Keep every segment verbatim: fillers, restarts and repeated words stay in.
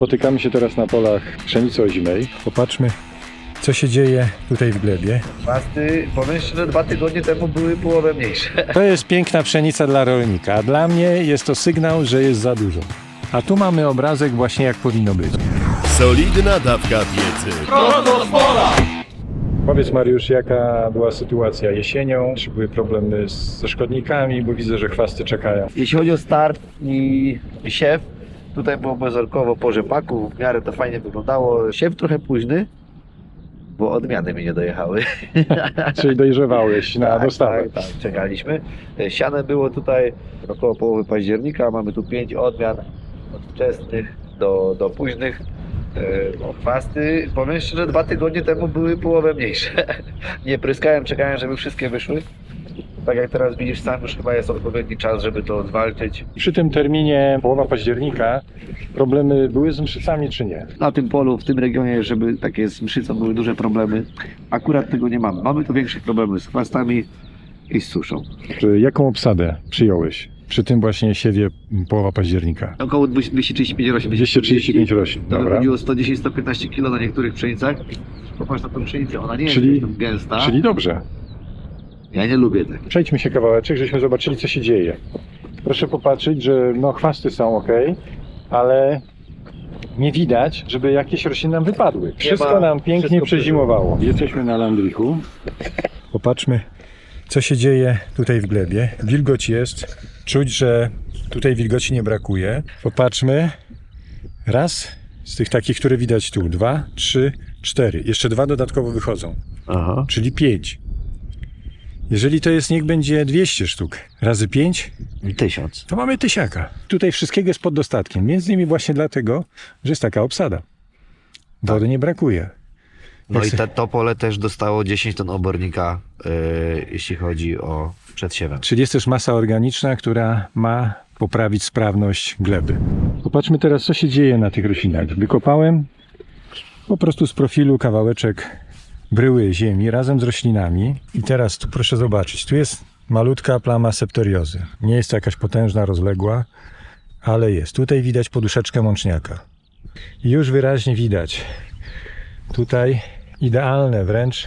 Spotykamy się teraz na polach pszenicy ozimej. Popatrzmy, co się dzieje tutaj w glebie. Chwasty, powiem szczerze, dwa tygodnie temu były połowę mniejsze. To jest piękna pszenica dla rolnika, a dla mnie jest to sygnał, że jest za dużo. A tu mamy obrazek właśnie jak powinno być. Solidna dawka wiedzy. Powiedz, Mariusz, jaka była sytuacja jesienią? Czy były problemy ze szkodnikami? Bo widzę, że chwasty czekają. Jeśli chodzi o start i siew, tutaj było bezorkowo po rzepaku, w miarę to fajnie wyglądało. Siew trochę późny, bo odmiany mi nie dojechały. Czyli dojrzewałeś na Tak, dostawę. tak, tak, czekaliśmy. Siane było tutaj około połowy października, mamy tu pięć odmian od wczesnych do, do późnych. E, Chwasty, powiem szczerze, dwa tygodnie temu były połowę mniejsze. Nie pryskałem, czekałem, żeby wszystkie wyszły. Tak jak teraz widzisz sam, już chyba jest odpowiedni czas, żeby to zwalczyć. Przy tym terminie połowa października problemy były z mszycami czy nie? Na tym polu, w tym regionie, żeby takie z mszycą były duże problemy, akurat tego nie mamy. Mamy tu większe problemy z chwastami i z suszą. Czy jaką obsadę przyjąłeś przy tym właśnie siewie połowa października? Około dwieście trzydzieści pięć roślin. dwieście trzydzieści pięć roślin, To dobra. wychodziło sto dziesięć do sto piętnaście kilo na niektórych pszenicach. Popatrz na tą pszenicę, ona nie jest Czyli- jakaś tam gęsta. Czyli dobrze. Ja nie lubię tak. Przejdźmy się kawałeczek, żebyśmy zobaczyli, co się dzieje. Proszę popatrzeć, że no chwasty są ok, ale nie widać, żeby jakieś rośliny nam wypadły. Wszystko ma- nam pięknie wszystko przezimowało. Jesteśmy na Landrichu. Popatrzmy, co się dzieje tutaj w glebie. Wilgoć jest. Czuć, że tutaj wilgoci nie brakuje. Popatrzmy. Raz z tych takich, które widać tu. Dwa, trzy, cztery. Jeszcze dwa dodatkowo wychodzą. Aha. Czyli pięć. Jeżeli to jest, niech będzie dwieście sztuk razy pięć, Tysiąc. to mamy tysiaka. Tutaj wszystkiego jest pod dostatkiem. Między innymi właśnie dlatego, że jest taka obsada. Wody nie brakuje. No Jak i se- te, to pole też dostało dziesięć ton obornika, yy, jeśli chodzi o przedsiewem. Czyli jest też masa organiczna, która ma poprawić sprawność gleby. Popatrzmy teraz, co się dzieje na tych roślinach. Wykopałem po prostu z profilu kawałeczek bryły ziemi razem z roślinami. I teraz tu proszę zobaczyć, tu jest malutka plama septoriozy. Nie jest to jakaś potężna, rozległa, ale jest. Tutaj widać poduszeczkę mączniaka. I już wyraźnie widać tutaj idealne wręcz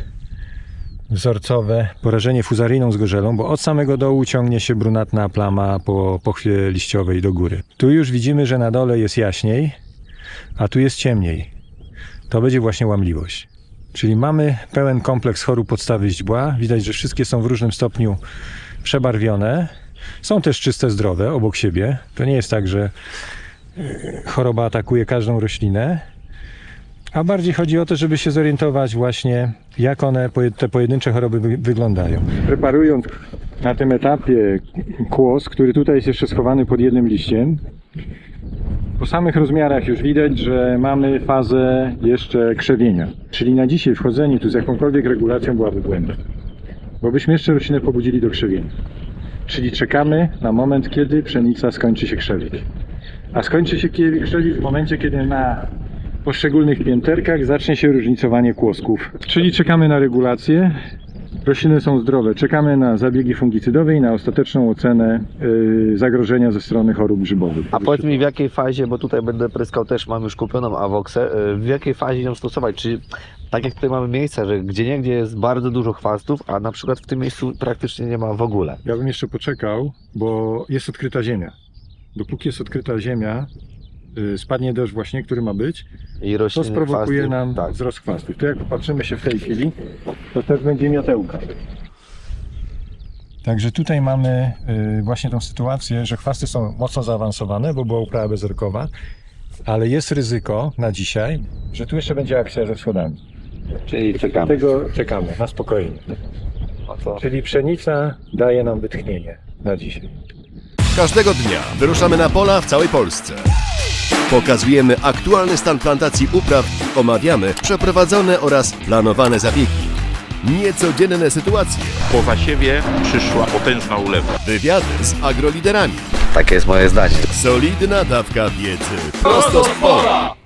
wzorcowe porażenie fuzaryjną zgorzelą, bo od samego dołu ciągnie się brunatna plama po pochwie liściowej do góry. Tu już widzimy, że na dole jest jaśniej, a tu jest ciemniej. To będzie właśnie łamliwość. Czyli mamy pełen kompleks chorób podstawy źdźbła. Widać, że wszystkie są w różnym stopniu przebarwione. Są też czyste, zdrowe obok siebie. To nie jest tak, że choroba atakuje każdą roślinę. A bardziej chodzi o to, żeby się zorientować właśnie, jak one, te pojedyncze choroby wy- wyglądają. Preparując na tym etapie kłos, który tutaj jest jeszcze schowany pod jednym liściem, po samych rozmiarach już widać, że mamy fazę jeszcze krzewienia. Czyli na dzisiaj wchodzenie tu z jakąkolwiek regulacją byłaby błędem. Bo byśmy jeszcze roślinę pobudzili do krzewienia. Czyli czekamy na moment, kiedy pszenica skończy się krzewić. A skończy się kie- krzewić w momencie, kiedy na poszczególnych pięterkach zacznie się różnicowanie kłosków. Czyli czekamy na regulację. Rośliny są zdrowe. Czekamy na zabiegi fungicydowe i na ostateczną ocenę yy, zagrożenia ze strony chorób grzybowych. A powiedz mi, w jakiej fazie, bo tutaj będę pryskał też, mam już kupioną awoksę, yy, w jakiej fazie ją stosować? Czy tak jak tutaj mamy miejsca, że gdzieniegdzie jest bardzo dużo chwastów, a na przykład w tym miejscu praktycznie nie ma w ogóle. Ja bym jeszcze poczekał, bo jest odkryta ziemia. Dopóki jest odkryta ziemia, yy, spadnie deszcz właśnie, który ma być, I to rośliny, sprowokuje chwasty, nam tak. wzrost chwastów. To jak popatrzymy się w tej chwili, to też będzie miotełka. Także tutaj mamy y, właśnie tą sytuację, że chwasty są mocno zaawansowane, bo była uprawa bezorkowa, ale jest ryzyko na dzisiaj, że tu jeszcze będzie akcja ze wschodami. Czyli czekamy. Dlatego czekamy na spokojnie. O co? Czyli pszenica daje nam wytchnienie na dzisiaj. Każdego dnia wyruszamy na pola w całej Polsce. Pokazujemy aktualny stan plantacji upraw, omawiamy przeprowadzone oraz planowane zabiegi. Niecodzienne sytuacje, Po zasiewie przyszła potężna ulewa. wywiady z agroliderami. Takie jest moje zdanie. Solidna dawka wiedzy prosto z pola.